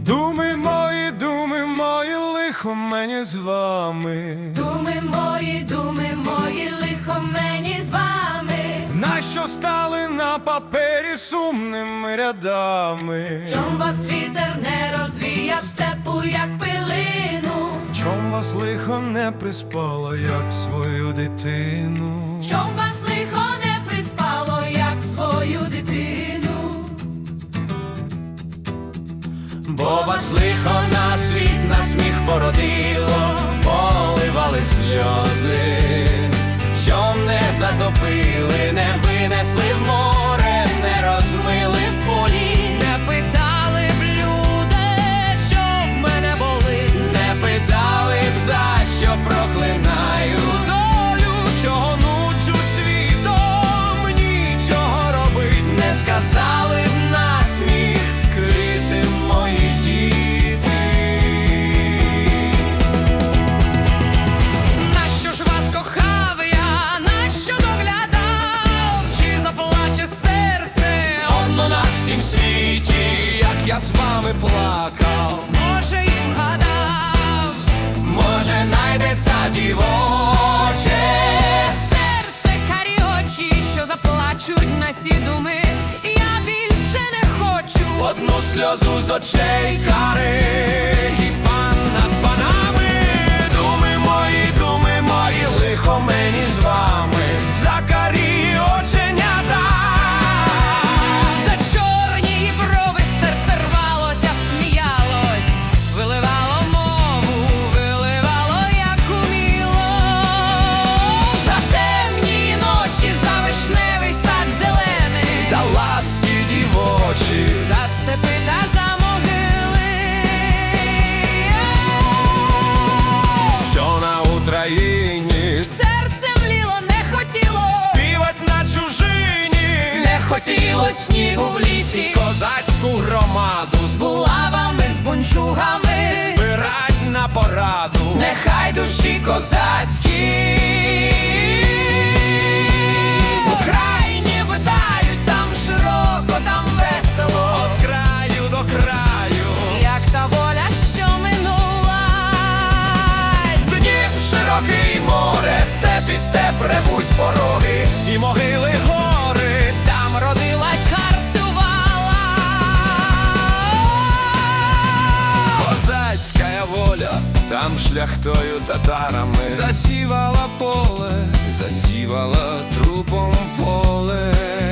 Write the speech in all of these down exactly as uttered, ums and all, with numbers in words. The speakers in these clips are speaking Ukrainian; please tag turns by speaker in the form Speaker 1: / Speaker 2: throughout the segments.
Speaker 1: Думи мої, думи мої, лихо мені з вами.
Speaker 2: Думи мої, думи мої, лихо мені з вами.
Speaker 1: Нащо стали на папері сумними рядами?
Speaker 2: Чом вас вітер не розвіяв степу, як пилину?
Speaker 1: Чом вас лихо не приспало, як свою дитину?
Speaker 2: Чом вас лихо не приспало, як свою дитину?
Speaker 1: Бо вас лихо на світ, на сміх породило, поливали сльози, чом не затопили, не винесли в море, не розмили в полі.
Speaker 2: Не питали б люди, що в мене болить.
Speaker 1: Не питали б, за що проклинаю долю, чого нучу світом, нічого робить. Не сказали б на сміх квіти мої діти.
Speaker 2: Нащо ж вас кохав я, нащо доглядав? Чи заплаче серце
Speaker 1: Одно на всім світі, як я з вами плакав.
Speaker 2: може і вгадав?
Speaker 1: Може, найдеться дівоче
Speaker 2: Серце, карі очі, що заплачуть на сі думи. Я більше не хочу.
Speaker 1: одну сльозу з очей кари, і пан над панами. Думи мої, думи мої, лихо мені з вами. За карі оченята,
Speaker 2: За чорні брови серце рвалося, сміялось, виливало мову, виливало, як уміло. За темні ночі, за вишневий сад зелений,
Speaker 1: за ласки дівочі,
Speaker 2: за степи та за могили.
Speaker 1: що на Україні
Speaker 2: Серце мліло, не хотіло,
Speaker 1: співать на чужині.
Speaker 2: не хотіло снігу в лісі,
Speaker 1: Козацьку громаду
Speaker 2: з булавами, з бунчугами,
Speaker 1: збирать на пораду.
Speaker 2: нехай душі козацькі в Україні витають, там широко, там весело,
Speaker 1: От краю до краю,
Speaker 2: як та воля, що минулась.
Speaker 1: Дніп широкий море, степ і степ ревуть пороги, і могили гори.
Speaker 2: Там родилась, харцювала.
Speaker 1: Козацька воля, там шляхтою татарами засівала поле, засівала трупом поле.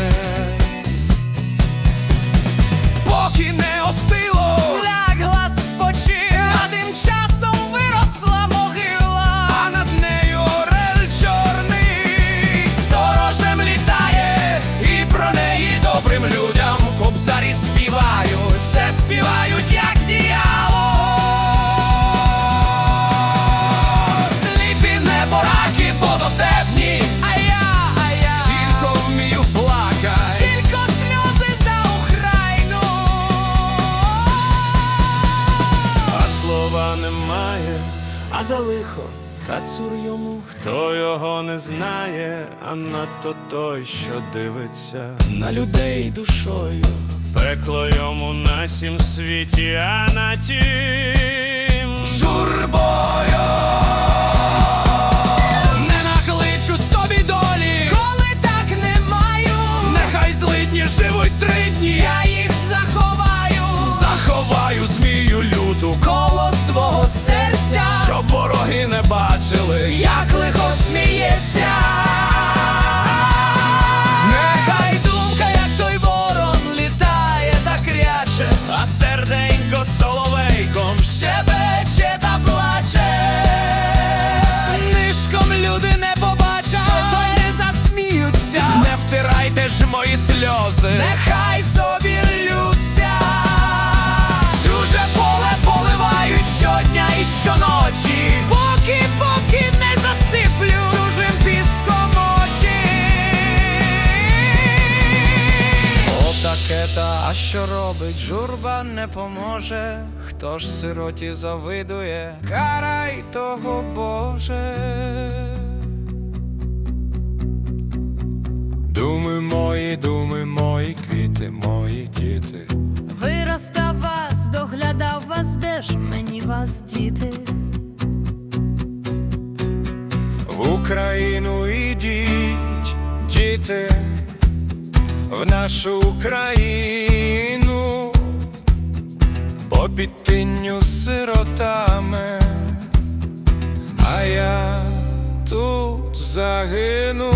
Speaker 1: Поки не остило,
Speaker 2: Лягла спочив, а тим часом виросла могила.
Speaker 1: а над нею орел чорний сторожем літає, і про неї добрим людям кобзарі співають, все співають, як діяло. Сліпі небораки водотепні,
Speaker 2: А я, а я
Speaker 1: тільки вмію плакать.
Speaker 2: тільки сльози за Україну.
Speaker 1: А слова немає, а за лихо та цур йому, хто його не знає, а надто той, що дивиться на людей душою. Пекло йому на сім світі, а на тім журбою. Не накличу собі долі,
Speaker 2: Коли так не маю,
Speaker 1: нехай злидні живуть три дні.
Speaker 2: я їх заховаю
Speaker 1: Заховаю змію люту,
Speaker 2: коло свого серця,
Speaker 1: щоб вороги не бачили,
Speaker 2: як лихо сміється. Нехай думка, як той ворон, літає та кряче,
Speaker 1: а серденько соловейком
Speaker 2: щебече та плаче.
Speaker 1: нишком люди не побачать,
Speaker 2: то не засміються,
Speaker 1: не втирайте ж мої сльози.
Speaker 2: нехай собі ллються.
Speaker 1: Чуже поле поливають щодня і щоночі,
Speaker 2: Поки, поки не засиплю
Speaker 1: чужим піском очі.
Speaker 2: Отаке та, а що робить? Журба не поможе. Хто ж сироті завидує? Карай того, Боже.
Speaker 1: Думи мої, думи мої, квіти мої діти.
Speaker 2: Виростав вас, доглядав вас.
Speaker 3: нас діти.
Speaker 1: В Україну ідіть, діти, в нашу Україну, бо під тинню сиротами, а я тут загину.